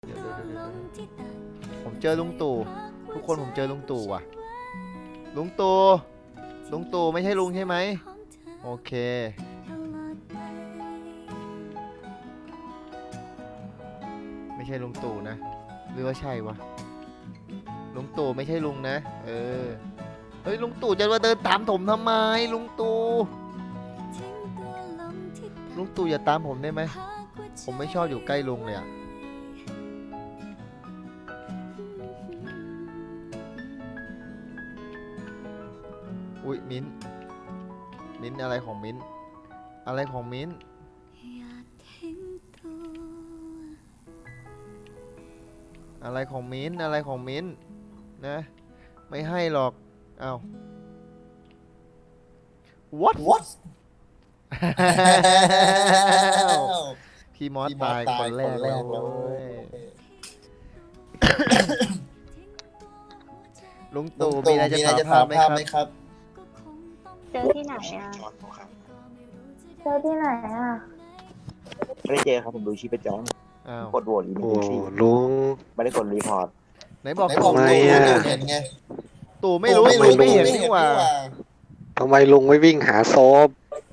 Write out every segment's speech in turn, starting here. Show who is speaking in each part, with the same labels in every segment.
Speaker 1: เดี๋ยวผมเจอลุงตู่ทุกคนผมเจอลุงตู่ว่ะลุงตู่ไม่ใช่ลุงใช่ไหมโอเคไม่ใช่ลุงตู่นะหรือว่าใช่วะลุงตู่ไม่ใช่ลุงนะเฮ้ยลุงตู่จะมาเดินตามผมทำไมลุงตู่อย่าตามผมได้ไหมผมไม่ชอบอยู่ใกล้ลุงเลยอะอุ๊ยมิ้นอะไรของมิ้นอะไรของมิ้นอะไรของมิ้นอะไรของมิ้นนะไม่ให้หรอกอ้าว what พี่มอสตายคนแรกแล้วลุงตู่มีอะไรจะถามไหมครับ
Speaker 2: เจอที่ไหนอ่ะเจอที่ไหนอ่ะ
Speaker 3: ไม่ได้เจอครับผมดูชีพจรกดโหวตอีก
Speaker 4: โอ้ลุง
Speaker 3: ไม่ได้กดรีพอร์ต
Speaker 1: ไหนบอก
Speaker 4: ทำไมอ่ะ
Speaker 1: ตู่ไม่รู้ตู่ไม่เห็นนี่หว่า
Speaker 4: ทำไมลุงไม่วิ่งหาศพ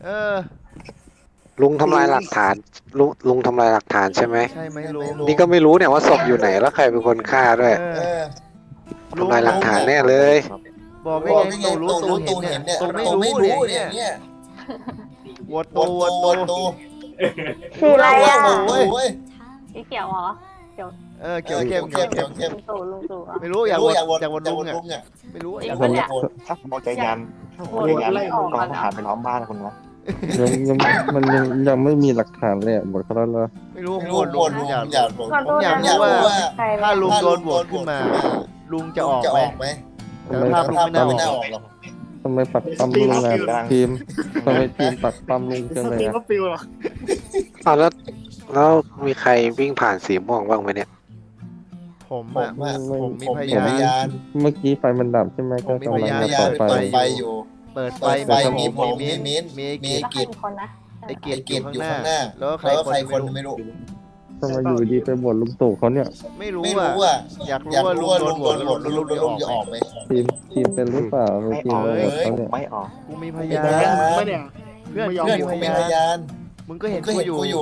Speaker 4: ลุงทำลายหลักฐานลุงทำลายหลักฐานใช่ไหม
Speaker 1: ใช่ไหมลุง
Speaker 4: นี่ก็ไม่รู้เนี่ยว่าศพอยู่ไหนแล้วใครเป็นคนฆ่าด้วยทำลายหลักฐานแน่เลย
Speaker 1: บอกได้ไงตู่เห็นเนี่ยตู่ไม่รู้เนี่ยโหวตตู่
Speaker 2: สีอะไรอ่ะ
Speaker 5: สีเขียวเหรอ
Speaker 1: เกี่ยวเข้ม
Speaker 5: ลุงตู่อ่ะ
Speaker 1: ไม่รู้อยากโหวตลุงอ่ะไม่รู้อยากโหวต
Speaker 3: ถ้าผมเอาใจยันกองทหารไปล้อมบ้านคุณวะ
Speaker 6: มันยังไม่มีหลักฐานเลยหมดเขาแล้ว
Speaker 1: ไม่รู้โหวตลุงอยากรู้ว่าถ้าลุงโดนโหวตขึ้นมาลุงจะออกไหมแต่ภาพลุงไม่น่าออกหรอก
Speaker 6: ทำไมปักปั๊มลุงอ่ะทีมทำไมทีมปักปั๊มลุงจังเลยอ่ะ
Speaker 4: อ้าวแล้วมีใครวิ่งผ่านสีม่วงบ้างไหมเนี่ย
Speaker 1: ผมมีพยาน
Speaker 6: เมื่อกี้ไฟมันดับใช่ไหมก็กำลังจะเปิดไฟอยู่
Speaker 1: เปิดไฟมีผมมีมิ้นมีไอ้กิจ
Speaker 5: คนนะ
Speaker 1: ไอ้เกียรติอยู่ข้างหน้าแล้วใครคนไม่รู้
Speaker 6: ทำไมอยู่ดีไปบ่นลุงตู่เขาเนี่ย
Speaker 1: ไม่รู้อ่ะอยากรู้ว่าลุงโดนโหวตแล้วลุงจะออกไหม
Speaker 6: ทีมเป็นหรือเปล่าทีมโดนเขาเนี่ย
Speaker 3: ไม่ออก
Speaker 1: กูมีพยานเพื่อนกูมีพยานมึงก็เห็นกูอยู่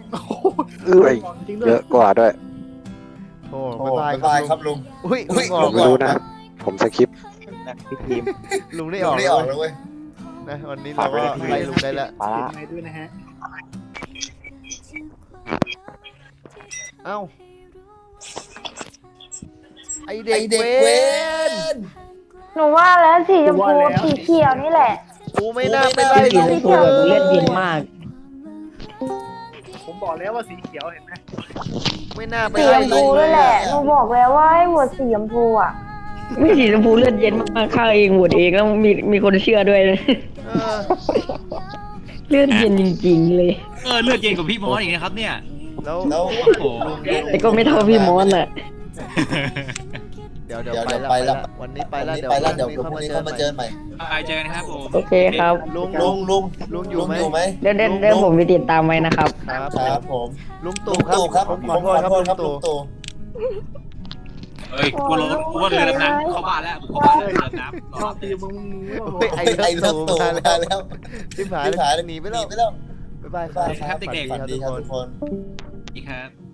Speaker 4: เยอะกว่าด้วย
Speaker 1: โธ่บ๊ายบายครับลุงอุ้ยอ
Speaker 4: ผ
Speaker 1: อก
Speaker 4: มไม่รู้นะผมสคริปต์
Speaker 3: พี่ทีม
Speaker 1: ลุงได้ออกแล้วเว้ยนะวันนี้เราก็ไล่ลุงได้แล้ว
Speaker 3: ปลา
Speaker 1: เอ้าไอเด็กเวน
Speaker 2: หนูว่าแล้วสีชมพูสีเขียวนี่แหละ
Speaker 1: กูไม่น่าไปไล่ลุง
Speaker 2: สีเขียว
Speaker 7: เลือดเย็นมาก
Speaker 8: ผมบอกแล้วว่าสีเขียวเห็นไหม
Speaker 1: ไม่น่าไป
Speaker 2: สีช
Speaker 1: ไล่
Speaker 2: ม
Speaker 1: ลุ
Speaker 2: พู
Speaker 1: งเล
Speaker 2: นี่
Speaker 1: ย
Speaker 2: แหละหนูบอกแล้วว่าให้โหวตสีชมพูอ่ะ
Speaker 7: ไม่สีชมพูเลือดเย็นมากข้าเองโหวตเองแล้วมีคนเชื่อด้วยนะเลือดเย็นจริงๆเลย
Speaker 9: เลือดเย็นกว่าพี่มอสอีกนะครับเนี่ย
Speaker 1: แล้ว
Speaker 9: โอ้โห
Speaker 7: แต่ก็ไม่เท่าพี่มอสน่ะ
Speaker 1: เดี๋ยวไปละวันนี้ไปละเดี๋ยวพรุ่งนี้เขามาเจอใหม่
Speaker 9: ไปเจอกันนะครับผม
Speaker 7: โอเคครับ
Speaker 1: ลุงอยู่ไหม
Speaker 7: เดี๋ยวผมไปติดตามไว้นะครับ
Speaker 1: ครับผมลุงตู่ครับผมขอโทษครับลุงตู่
Speaker 9: เฮ้ยกูว่าเรือดำน้ำเข้าบ้านแล้วเข้าบ้านเรือดำน้ำรอ
Speaker 8: ตีมึง
Speaker 1: ไอ้ลุงตู่มาแล้วชิบหายหนีไปแล้วบ๊ายบายครับ
Speaker 9: ครับเด็กๆ
Speaker 1: สวัสดีครับทุกคน
Speaker 9: อีกครับ